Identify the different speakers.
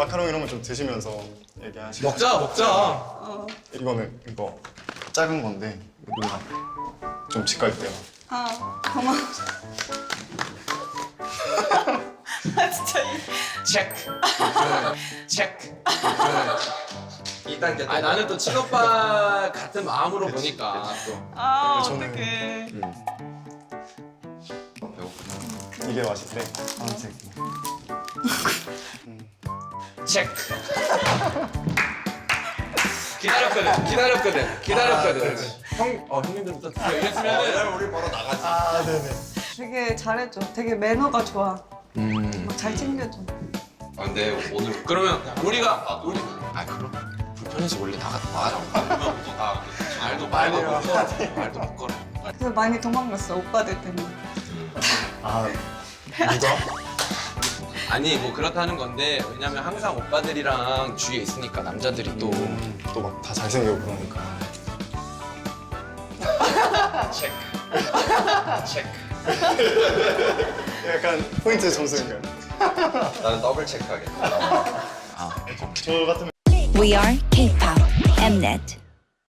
Speaker 1: 마카롱 이런 거 좀 드시면서 얘기하시고.
Speaker 2: 먹자.
Speaker 1: 이거는 이거 작은 건데 누나 좀 집 갈 때요.
Speaker 3: 고마워. 아 진짜
Speaker 2: 체크. 체크. 2단계. 아 나는 또 친오빠 같은 마음으로 보니까 또.
Speaker 1: 저는-
Speaker 3: 어떡해.
Speaker 1: 이게 맛있대. 파란색.
Speaker 2: 체크. 기다렸거든. 형님들부터 드세요. 이랬으면은
Speaker 4: 우리 바로 나가지.
Speaker 1: 아 네네.
Speaker 3: 되게 잘해줘. 되게 매너가 좋아. 막 잘 챙겨줘.
Speaker 4: 아, 근데 오늘
Speaker 2: 그러면 우리가
Speaker 4: 아 그럼 불편해서 원래 나가. 말도 못 걸어.
Speaker 3: 그래서 많이 도망갔어 오빠들 때문에.
Speaker 1: 아 누가?
Speaker 2: 아니 뭐 그렇다는 건데 왜냐면 항상 오빠들이랑 주위에 있으니까 남자들이 또
Speaker 1: 또 막 다 잘생기고 그러니까.
Speaker 2: 체크. 체크.
Speaker 1: 약간 포인트 점수인가요?
Speaker 4: 나는 더블 체크하겠다.
Speaker 1: 저 같으면
Speaker 5: We are K-pop Mnet.